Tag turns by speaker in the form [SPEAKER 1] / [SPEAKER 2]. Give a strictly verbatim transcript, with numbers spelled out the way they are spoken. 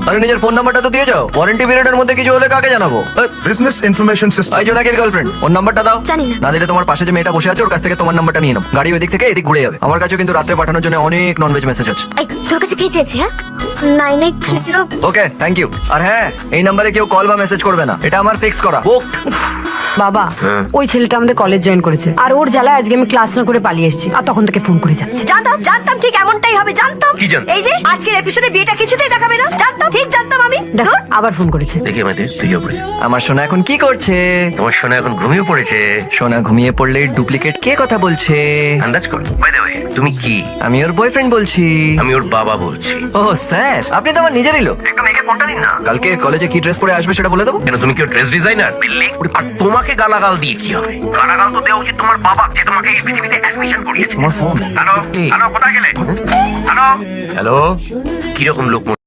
[SPEAKER 1] আরে নিজের ফোন নাম্বারটা তো দিয়ে যাও, ওয়ারেন্টি পিরিয়ডের মধ্যে কিছু হলে কাকে জানাবো?
[SPEAKER 2] Business information system.
[SPEAKER 1] এই জোনাকের গার্লফ্রেন্ড, ওর নাম্বারটা দাও।
[SPEAKER 3] জানি না।
[SPEAKER 1] না দিলে তোমার পাশে যে মেয়েটা বসে আছে ওর কাছ থেকে তোমার নাম্বারটা নিয়ে নাও, গাড়ি ওই দিক থেকে এদিক ঘুরে যাবে। আমার কাছেও কিন্তু রাত্রে পাঠানোর জন্য অনেক ননভেজ মেসেজ আছে।
[SPEAKER 3] এই তোর কাছে কে চেয়েছে? হ্যাঁ, nine eight three zero.
[SPEAKER 1] Okay, thank you. আর হ্যাঁ, এই নাম্বারে কেউ কল বা মেসেজ করবে না, এটা আমার ফিক্স করা। বুকড।
[SPEAKER 4] বাবা, ওই ছেলেটা আমাদের কলেজ জয়েন করেছে, আর ওর জ্বালায় আজকে আমি ক্লাস না করে পালিয়ে এসেছি, আর তখন থেকে ফোন করে যাচ্ছে।
[SPEAKER 5] জানতাম জানতাম ঠিক এমনটাই হবে, জানতাম।
[SPEAKER 6] কি জানতাম?
[SPEAKER 5] এই যে আজকের এপিসোডে বিয়েটা কিছুতেই দেখাবে না, জানতাম, ঠিক জানতাম আমি।
[SPEAKER 4] দেখো আবার ফোন করেছে।
[SPEAKER 6] দেখি আমাদের তুই উপরে।
[SPEAKER 1] আমার সোনা এখন কি করছে?
[SPEAKER 6] তোমার সোনা এখন ঘুমিয়ে পড়েছে।
[SPEAKER 1] সোনা ঘুমিয়ে পড়লে ডুপ্লিকেট কে কথা বলছে?
[SPEAKER 6] আন্দাজ করো। বাই দ্য ওয়ে, তুমি কি?
[SPEAKER 1] আমি ওর বয়ফ্রেন্ড বলছি।
[SPEAKER 6] আমি ওর বাবা বলছি।
[SPEAKER 1] ও স্যার, আপনি তো আমার নিজেরই লোক।
[SPEAKER 6] একদম একে ফোনটা নিন না।
[SPEAKER 1] কালকে কলেজে কি ড্রেস পরে আসবে সেটা বলে দেবো।
[SPEAKER 6] কেন, তুমি কি ড্রেস ডিজাইনার? আর তোমাকে গালাগাল দিয়ে কি হবে? গালাগাল তো দেওয়া উচিত তোমার বাবা, যে তোমাকে এই পৃথিবীতে অ্যাডমিশন করিয়েছে।
[SPEAKER 1] আমার ফোন।
[SPEAKER 6] হ্যালো হ্যালো, কোথায় গেলে? হ্যালো হ্যালো, কিরকম লোক